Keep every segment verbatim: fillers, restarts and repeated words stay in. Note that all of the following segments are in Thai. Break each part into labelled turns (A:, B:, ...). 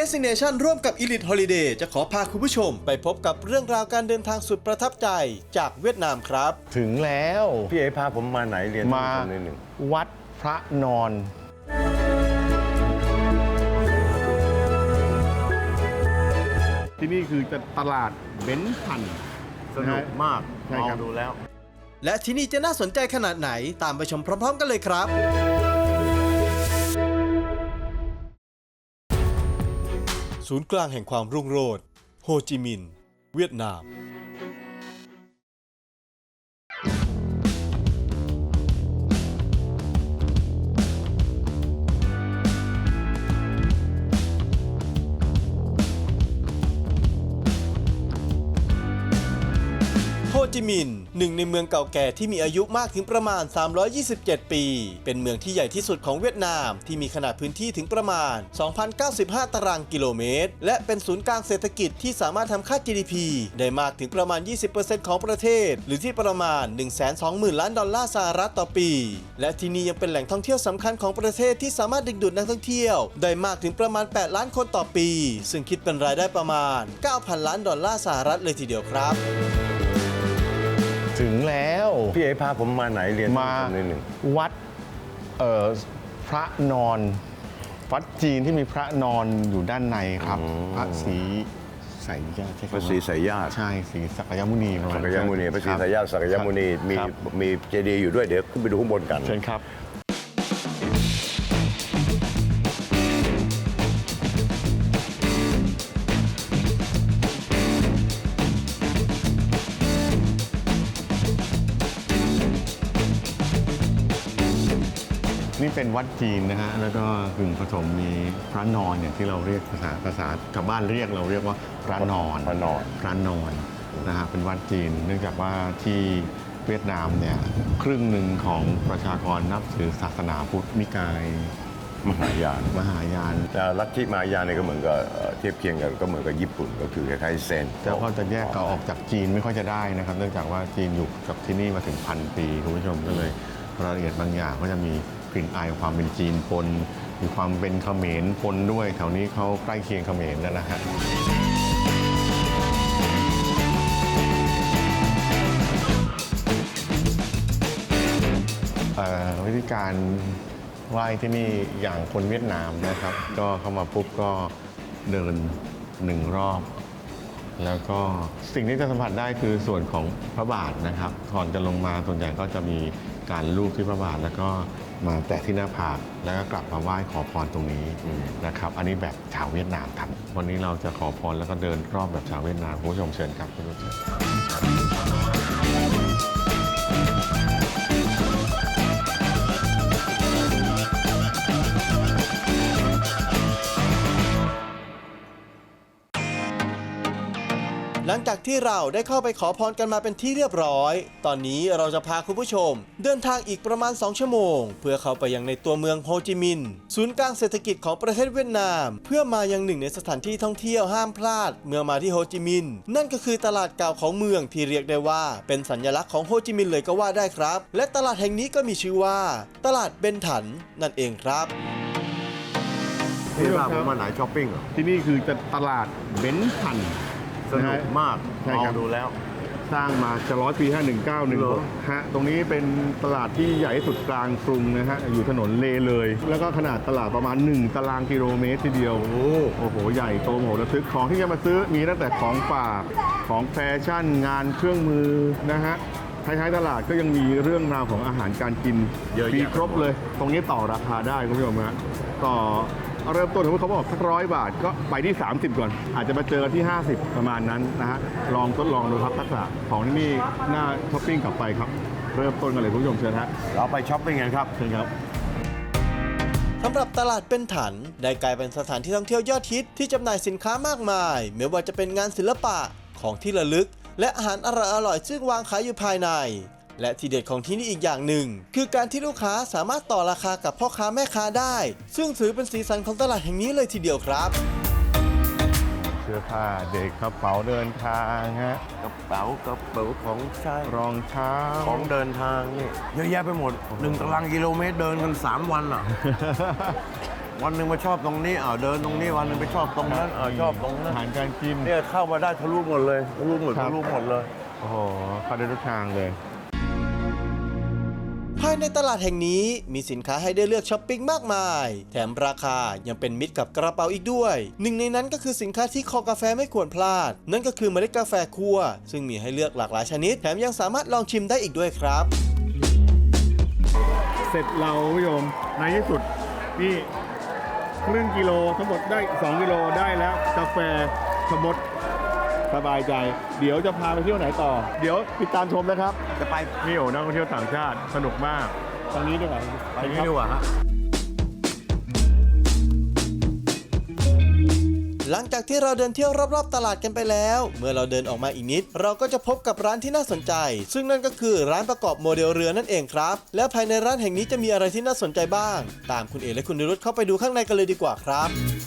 A: Destination ร่วมกับ Elite Holiday จะขอพาคุณผู้ชมไปพบกับเรื่องราวการเดินทางสุดประทับใจจากเวียดนามครับ
B: ถึงแล้ว
C: พี่เอ๋พาผมมาไหนเรียน
B: มา
C: นิดหนึ่ง
B: วัดพระนอนที่นี่คือตลาดเบนซ์พัน
C: สนุกมาก
B: ใช่ครับ
C: ดูแล้ว
A: และที่นี่จะน่าสนใจขนาดไหนตามไปชมพร้อมๆกันเลยครับศูนย์กลางแห่งความรุ่งโรจน์โฮจิมินห์เวียดนามโฮจิมินห์หนึ่งในเมืองเก่าแก่ที่มีอายุมากถึงประมาณสามร้อยยี่สิบเจ็ดปีเป็นเมืองที่ใหญ่ที่สุดของเวียดนามที่มีขนาดพื้นที่ถึงประมาณ สองพันเก้าสิบห้า ตารางกิโลเมตรและเป็นศูนย์กลางเศรษฐกิจที่สามารถทำค่า จี ดี พี ได้มากถึงประมาณ ยี่สิบเปอร์เซ็นต์ ของประเทศหรือที่ประมาณ หนึ่งแสนสองหมื่น ล้านดอลลาร์สหรัฐต่อปีและที่นี่ยังเป็นแหล่งท่องเที่ยวสำคัญของประเทศที่สามารถดึงดูดนักท่องเที่ยวได้มากถึงประมาณ แปด ล้านคนต่อปีซึ่งคิดเป็นรายได้ประมาณ เก้าพัน ล้านดอลลาร์สหรัฐเลยทีเดียวครับ
B: ถึงแล้ว
C: พี่เอ๋พาผมมาไหนเรียน
B: มา
C: นิดหนึ่ง
B: วัดเอ่อพระนอนวัดจีนที่มีพระนอนอยู่ด้านในครับพระศรีไสยญาติ
C: พระศรีไสยญาติ
B: ใช่ศรีสักยมุนี
C: สักยมุนีพระศรีไสยญาติสักยมุนีมีมีเจดีย์อยู่ด้วยเดี๋ยวขึ้นไปดูข้างบนกัน
B: เชิญครับนี่เป็นวัดจีนนะฮะแล้วก็กึ่งผสมมีพระนอนเนี่ยที่เราเรียกภาษาภาษาชาวบ้านเรียกเราเรียกว่าพระนอน
C: พระนอน
B: พระนอนนะฮะเป็นวัดจีนเนื่องจากว่าที่เวียดนามเนี่ยครึ่งหนึ่งของประชากรนับถือศาสนาพุทธนิกาย
C: มหายาน
B: มหายาน
C: แต่ลัทธิมหายานเนี่ยก็เหมือนกับเทียบเคียงกันก็เหมือนกับญี่ปุ่นก็คือคล้ายๆเซน
B: แต่ก็จะแยกเราออกจากจีนไม่ค่อยจะได้นะครับเนื่องจากว่าจีนอยู่กับที่นี่มาถึงพันปีคุณผู้ชมก็เลยรายละเอียดบางอย่างก็จะมีกลิ่นอายความเป็นจีนปนมีความเป็นเขมรปนด้วยแถวนี้เขาใกล้เคียงเขมรแล้วนะฮะวิธีการไหว้ที่นี่อย่างคนเวียดนามนะครับก็เข้ามาปุ๊บก็เดินหนึ่งรอบแล้วก็สิ่งที่จะสัมผัสได้คือส่วนของพระบาทนะครับก่อนจะลงมาส่วนใหญ่ก็จะมีการลูบที่พระบาทแล้วก็มาแตะที่หน้าผากแล้วก็กลับมาไหว้ขอพรตรงนี้นะครับอันนี้แบบชาวเวียดนามทำวันนี้เราจะขอพรแล้วก็เดินรอบแบบชาวเวียดนามคุณผู้ชมเชิญครับคุณผู้ชม
A: หลังจากที่เราได้เข้าไปขอพรกันมาเป็นที่เรียบร้อยตอนนี้เราจะพาคุณผู้ชมเดินทางอีกประมาณสองชั่วโมงเพื่อเข้าไปยังในตัวเมืองโฮจิมินห์ศูนย์กลางเศรษฐกิจของประเทศเวียดนามเพื่อมายังหนึ่งในสถานที่ท่องเที่ยวห้ามพลาดเมื่อมาที่โฮจิมินห์นั่นก็คือตลาดเก่าของเมืองที่เรียกได้ว่าเป็นสัญลักษณ์ของโฮจิมินห์เลยก็ว่าได้ครับและตลาดแห่งนี้ก็มีชื่อว่าตลาดเบนถันนั่นเองครับ
C: ที่ว่าผมมาไหนช้อปปิ้งเหรอ
B: ที่นี่คือตลาดเบนถัน
C: สนุกมากมองดูแล้ว
B: สร้างมาจะร้อยปีห้าหนึ่งเก้าหนึ่งหกฮะตรงนี้เป็นตลาดที่ใหญ่ที่สุดกลางกรุงนะฮะอยู่ถนนเลเลยแล้วก็ขนาดตลาดประมาณหนึ่งตารางกิโลเมตรทีเดียวโอ้โอ้โหใหญ่โตโมโหระทึกของที่จะมาซื้อมีตั้งแต่ของฝากของแฟชั่นงานเครื่องมือนะฮะท้ายๆตลาดก็ยังมีเรื่องราวของอาหารการกินมีครบเลยตรงนี้ต่อราคาได้คุณผู้ชมฮะต่อเริ่มต้นถึงเขาบอกสักร้อยบาทก็ไปที่สามสิบก่อนอาจจะมาเจอที่ห้าสิบประมาณนั้นนะฮะลองทดลองดูครับทักษะของที่นี่น่าช้อปปิ้งกลับไปครับเริ่มต้นกันเลยคุณผู้ชมเชิญฮะ
C: เราไปช้อปปิ้งกันครับ
B: เชิญครับ
A: สำหรับตลาดเป็นถันได้กลายเป็นสถานที่ท่องเที่ยวยอดฮิตที่จำหน่ายสินค้ามากมายไม่ว่าจะเป็นงานศิลปะของที่ระลึกและอาหารอร่อยๆซึ่งวางขายอยู่ภายในและทีเด็ดของที่นี่อีกอย่างหนึ่งคือการที่ลูกค้าสามารถต่อราคากับพ่อค้าแม่ค้าได้ซึ่งถือเป็นสีสันของตลาดแห่งนี้เลยทีเดียวครับ
B: เสื้อผ้าเด็กกระเป๋าเดินทางฮะ
C: กระเป๋ากระเป๋าของใช้
B: รองเท้า
C: ของเดินทางนี่เยอะแยะไปหมดหนึ่งตารางกิโลเมตรเดินกันสามวันอ่ะวันหนึ่งมาชอบตรงนี้อ้าวเดินตรงนี้วันหนึ่งไปชอบตรงนั้นอ้าวชอบตรงนั้น
B: อาหารการกิน
C: เนี่ยเข้ามาได้ทะลุหมดเลยทะลุหมด
B: ครับ
C: ทะลุหมดเลย
B: โอ้โหเข้าได้ทุกทางเลย
A: ภายในตลาดแห่งนี้มีสินค้าให้ได้เลือกช้อปปิ้งมากมาย แถมราคายังเป็นมิตรกับกระเป๋าอีกด้วย หนึ่งในนั้นก็คือสินค้าที่คอกาแฟไม่ควรพลาด นั่นก็คือเมล็ดกาแฟคั่วซึ่งมีให้เลือกหลากหลายชนิด แถมยังสามารถลองชิมได้อีกด้วยครับ
B: เสร็จเราคุณผู้ชมในที่สุดนี่ครึ่งกิโลทั้งหมดได้สองกิโลได้แล้วกาแฟชะมดสบายใจ เดี๋ยวจะพาไปเที่ยวไหนต่อ เดี๋ยวติดตามชมนะครับ
C: จะไป
B: นี่โอ้นักท่องเที่ยวต่างชาติสนุกมากตรงนี้ดีกว่า
C: ไปนี่ดีกว่าฮะ
A: หลังจากที่เราเดินเที่ยวรอบๆตลาดกันไปแล้ว เมื่อเราเดินออกมาอีกนิด เราก็จะพบกับร้านที่น่าสนใจ ซึ่งนั่นก็คือร้านประกอบโมเดลเรือนั่นเองครับ และภายในร้านแห่งนี้จะมีอะไรที่น่าสนใจบ้าง ตามคุณเอและคุณนิรุตเข้าไปดูข้างในกันเลยดีกว่าครับ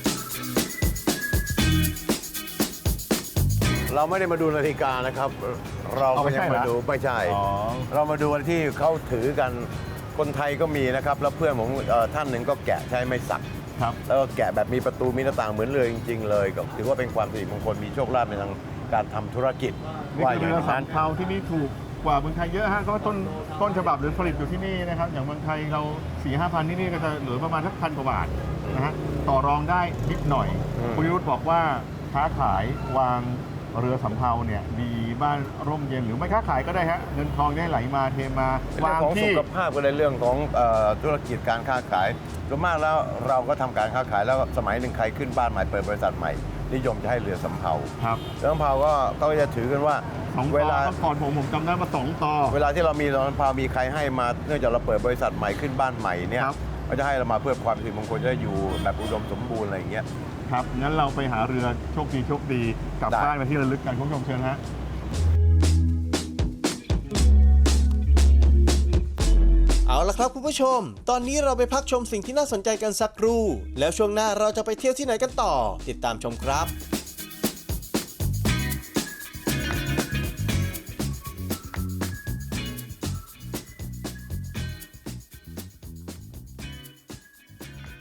C: เราไม่ได้มาดูนาฬิกานะครับ เราก็ยังมาดูไม่ใช่
B: อ๋อ
C: เรามาดูวันที่เขาถือกันคนไทยก็มีนะครับ แล้วเพื่อนผมเอ่อท่านหนึ่งก็แกะใช้ไม้สัก
B: ครับ
C: แล้วก็แกะแบบมีประตูมีหน้าต่างเหมือนเรือจริงๆเลยก็ถือว่าเป็นความสิริมงคลมีโชคลาภในทางการทำธุรกิจ
B: นี่
C: ว่า
B: คือ
C: อย่าง
B: เรือสา
C: นั้
B: ม
C: น
B: เภาที่นี่ถูกกว่าเมืองไทยเยอะฮะก็ต้นต้นฉบับหรือผลิตอยู่ที่นี่นะครับอย่างเมืองไทยเราสี่ห้าพันที่นี่ก็จะเหลือประมาณสักพันกว่าบาทนะฮะต่อรองได้นิดหน่อย
C: อืม
B: คุณยุทธบอกว่าค้าขายวางเรือสำเภาเนี่ยดีบ้านร่มเย็นหรือไม่ค้าขายก็ได้ฮะเงินทองได้ไหลมาเทมา
C: เรื่อง
B: วาง
C: ของสุ
B: ที่
C: ขภาพก็ในเรื่องของเอ่อธุรกิจการค้าขายส่วนมากแล้วเราก็ทำการค้าขายแล้วสมัยหนึ่งใครขึ้นบ้านใหม่เปิดบริษัทใหม่นิยมจะให้เรือสำเภา
B: ครับ
C: เรือสำเภาก็ก็จะถือกันว่า
B: สอง
C: เว
B: ต่อ
C: ลา
B: เมื่อก่อนผมผมจำได้มาสองต่อ
C: เวลาที่เรามีเรือสำเภามีใครให้มาเนื่องจากเราเปิดบริษัทใหม่ขึ้นบ้านใหม่เนี่ย
B: ครับ
C: ก็จะให้เรามาเพื่อความสิริมงคลจะได้อยู่แบบอุดมสมบูรณ์อะไรอย่างเงี้ย
B: ครับงั้นเราไปหาเรือโชคดีโชคดีกลับ
C: ได้
B: บ้านมาที่ระลึกกันคุณผู้ชมเชิญฮะ
A: เอาละครับคุณผู้ชม ตอนนี้เราไปพักชมสิ่งที่น่าสนใจกันสักครู่ แล้วช่วงหน้าเราจะไปเที่ยวที่ไหนกันต่อ ติดตามชมครับ